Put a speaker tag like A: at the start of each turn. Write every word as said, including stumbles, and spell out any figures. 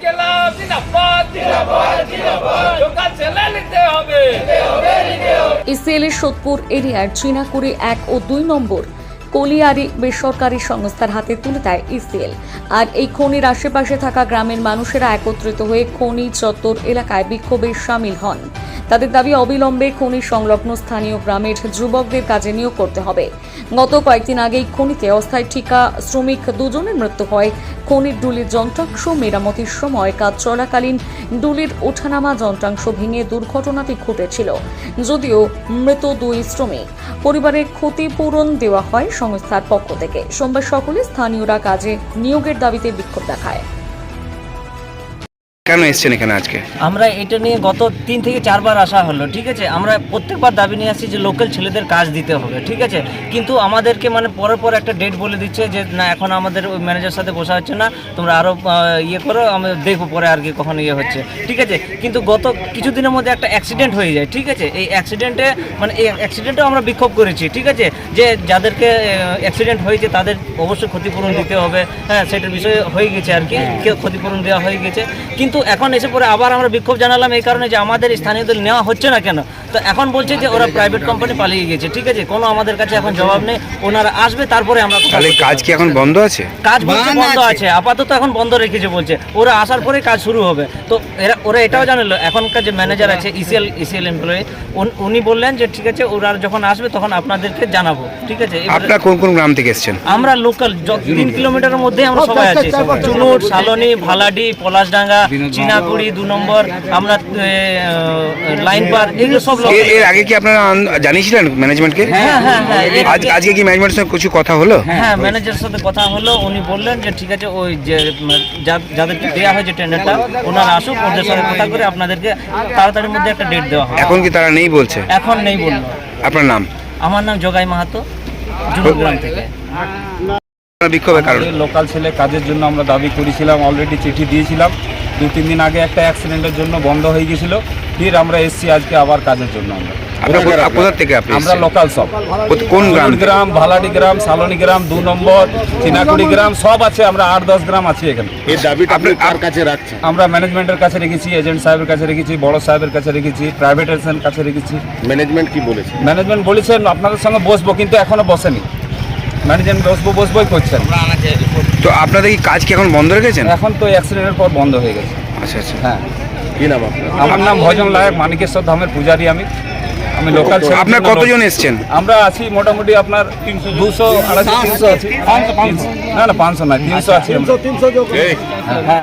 A: ইসিএলের সোদপুর এরিয়ার চীনাকুড়ি এক ও দুই নম্বর কলিয়ারি বেসরকারি সংস্থার হাতে তুলে দেয় ইসিএল। আর এই খনির আশেপাশে থাকা গ্রামের মানুষেরা একত্রিত হয়ে খনি চত্বর এলাকায় বিক্ষোভে সামিল হন। তাদের দাবি অবিলম্বে খনি সংলগ্ন স্থানীয় গ্রামের যুবকদের কাজে নিয়োগ করতে হবে। গত কয়েকদিন আগেই খনিতে অস্থায়ী ঠিকা শ্রমিক দুজনের মৃত্যু হয়। খনির ডুলির যন্ত্রাংশ মেরামতির সময় কাজ চলাকালীন ডুলির ওঠানামা যন্ত্রাংশ ভেঙে দুর্ঘটনাটি ঘটেছিল। যদিও মৃত দুই শ্রমিক পরিবারের ক্ষতিপূরণ দেওয়া হয় সংস্থার পক্ষ থেকে। সোমবার সকালে স্থানীয়রা কাজে নিয়োগের দাবিতে বিক্ষোভ দেখায়।
B: কেন এসেছেন এখানে আজকে?
C: আমরা এটা নিয়ে গত তিন থেকে চারবার আসা হলো, ঠিক আছে। আমরা প্রত্যেকবার দাবি নিয়ে আসছি যে লোকাল ছেলেদের কাজ দিতে হবে, ঠিক আছে। কিন্তু আমাদেরকে মানে পরের পর একটা ডেট বলে দিচ্ছে যে না, এখন আমাদের ওই ম্যানেজার সাথে বসা হচ্ছে না, তোমরা আরও ইয়ে করো, আমি দেখবো পরে আর কি কখন ইয়ে হচ্ছে, ঠিক আছে। কিন্তু গত কিছুদিনের মধ্যে একটা অ্যাক্সিডেন্ট হয়ে যায়, ঠিক আছে। এই অ্যাক্সিডেন্টে মানে এই অ্যাক্সিডেন্টেও আমরা বিক্ষোভ করেছি, ঠিক আছে, যে যাদেরকে অ্যাক্সিডেন্ট হয়েছে তাদের অবশ্যই ক্ষতিপূরণ দিতে হবে। হ্যাঁ, সেটার বিষয়ে হয়ে গেছে আর কি, ক্ষতিপূরণ দেওয়া হয়ে গেছে। কিন্তু এখন এসে পরে আবার আমরা বিক্ষোভ জানালাম এই কারণে যে আমাদের স্থানীয়দের নেওয়া হচ্ছে না কেন। তো এখন বলছে যে ওরা প্রাইভেট কোম্পানি পালিয়ে গেছে, ঠিক আছে। কোনো আমাদের কাছে এখন জবাব নেই, ওনারা আসবে তারপরে আমরা।
B: তাহলে কাজ কি এখন বন্ধ আছে?
C: কাজ বলছে বন্ধ আছে, আপাতত এখন বন্ধ রেখেছে বলছে। ওরা আসার পরে কাজ শুরু হবে। তো এরা ওরা এটাও জানালো, এখনকার যে ম্যানেজার আছে ইসিএল ইসিএল এমপ্লয়ি, উনি বললেন যে ঠিক আছে, ওরা যখন আসবে তখন আপনাদেরকে জানাবো, ঠিক আছে।
B: আপনারা কোন কোন গ্রাম থেকে এসেছেন?
C: আমরা লোকাল তিন কিলোমিটারের মধ্যে আমরা সবাই আছি। চুনুট, সালনি, ভালাডি, পলাশডাঙ্গা, চীনাকুড়ি দু নম্বর, আমরা লাইন পার, এগুলো সব।
B: এর আগে কি আপনারা জানিয়েছিলেন ম্যানেজমেন্টকে?
C: হ্যাঁ হ্যাঁ হ্যাঁ।
B: আজকে কি ম্যানেজমেন্টের সাথে কিছু কথা হলো?
C: হ্যাঁ, ম্যানেজারের সাথে কথা হলো। উনি বললেন যে ঠিক আছে, ওই যে যাদেরকে দেওয়া হয়েছে টেন্ডারটা, ওনারা আসুক, ওদের সাথে কথা করে আপনাদেরকে তাড়াতাড়ির মধ্যে একটা ডেট দেওয়া হবে।
B: এখন কি তারা নেই বলছে?
C: এখন নেই বললো।
B: আপনার নাম?
C: আমার নাম জগাই মাহাতো, জুনুগ্রাম থেকে।
B: বিক্ষোভের কারণ
D: লোকাল ছেলে কাজের জন্য আমরা দাবি করেছিলাম, অলরেডি চিঠি দিয়েছিলাম। দু তিন দিন আগে একটা অ্যাক্সিডেন্টের জন্য বন্ধ হয়ে গেছিল, ফির আমরা এসছি আজকে আবার কাজের জন্য। আমরা
B: কোথা থেকে আপনি?
D: আমরা লোকাল সব।
B: কোন গ্রাম?
D: গ্রাম, ভালাডি গ্রাম, সালনি গ্রাম, দু নম্বর, চীনাকুড়ি গ্রাম সব আছে। আমরা আট দশ গ্রাম আছি এখানে।
E: এই দাবিটা আপনি কার কাছে রাখছেন?
D: আমরা ম্যানেজমেন্টের কাছে রেখেছি, এজেন্ট সাহেবের কাছে রেখেছি, বড় সাহেবের কাছে রেখেছি, প্রাইভেট এজেন্টের কাছে রেখেছি।
E: ম্যানেজমেন্ট কি বলেছে?
D: ম্যানেজমেন্ট বলেছেন আপনাদের সঙ্গে বসবো, কিন্তু এখনো বসেনি। ম্যানেজমেন্ট বসবো বসবোই করছেন।
B: তো আপনাদের কি কাজ কি এখন বন্ধ রেখেছেন?
D: এখন তো অ্যাক্সিডেন্টের পর বন্ধ হয়ে গেছে।
B: আচ্ছা আচ্ছা।
D: হ্যাঁ।
E: কি নাম আপনার?
D: আমার নাম ভজন লায়ক, মানিকেশ্বর ধামের পূজারী আমি। আমি লোকাল।
B: আপনার কতজন এসছেন?
D: আমরা আছি মোটামুটি আপনার দুশো আড়াইশো তিনশো আছি। না না, পাঁচশো নয়, তিনশো আছি।
E: তিনশো